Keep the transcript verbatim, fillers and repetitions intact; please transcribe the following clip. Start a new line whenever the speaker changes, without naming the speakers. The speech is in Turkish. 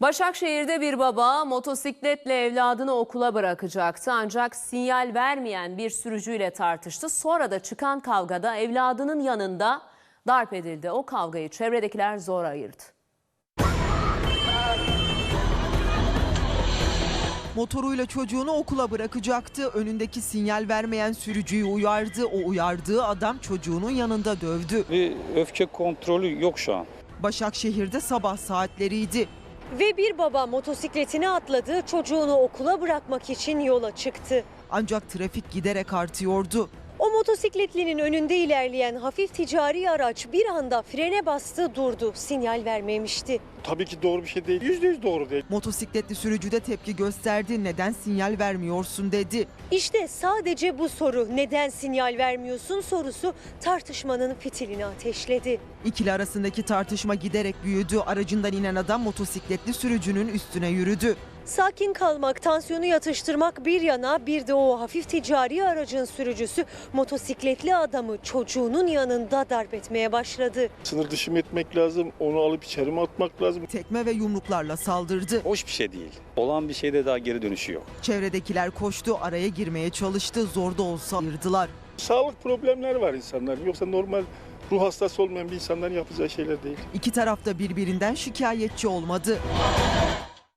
Başakşehir'de bir baba motosikletle evladını okula bırakacaktı ancak sinyal vermeyen bir sürücüyle tartıştı. Sonra da çıkan kavgada evladının yanında darp edildi. O kavgayı çevredekiler zor ayırdı.
Motoruyla çocuğunu okula bırakacaktı. Önündeki sinyal vermeyen sürücüyü uyardı. O uyardığı adam çocuğunun yanında dövdü.
Bir öfke kontrolü yok şu an.
Başakşehir'de sabah saatleriydi.
Ve bir baba motosikletine atladı, çocuğunu okula bırakmak için yola çıktı.
Ancak trafik giderek artıyordu.
O motosikletlinin önünde ilerleyen hafif ticari araç bir anda frene bastı, durdu. Sinyal vermemişti.
Tabii ki doğru bir şey değil. Yüzde yüz doğru değil.
Motosikletli sürücü de tepki gösterdi. Neden sinyal vermiyorsun dedi.
İşte sadece bu soru, neden sinyal vermiyorsun sorusu tartışmanın fitilini ateşledi.
İkili arasındaki tartışma giderek büyüdü. Aracından inen adam motosikletli sürücünün üstüne yürüdü.
Sakin kalmak, tansiyonu yatıştırmak bir yana, bir de o hafif ticari aracın sürücüsü motosikletli adamı çocuğunun yanında darp etmeye başladı.
Sınır dışı mı etmek lazım, onu alıp içeri mi atmak lazım?
Tekme ve yumruklarla saldırdı.
Hoş bir şey değil. Olan bir şeyde daha geri dönüşü yok.
Çevredekiler koştu, araya girmeye çalıştı. Zor da olsa ayırdılar.
Sağlık problemleri var insanların. Yoksa normal ruh hastası olmayan bir insanların yapacağı şeyler değil.
İki taraf da birbirinden şikayetçi olmadı.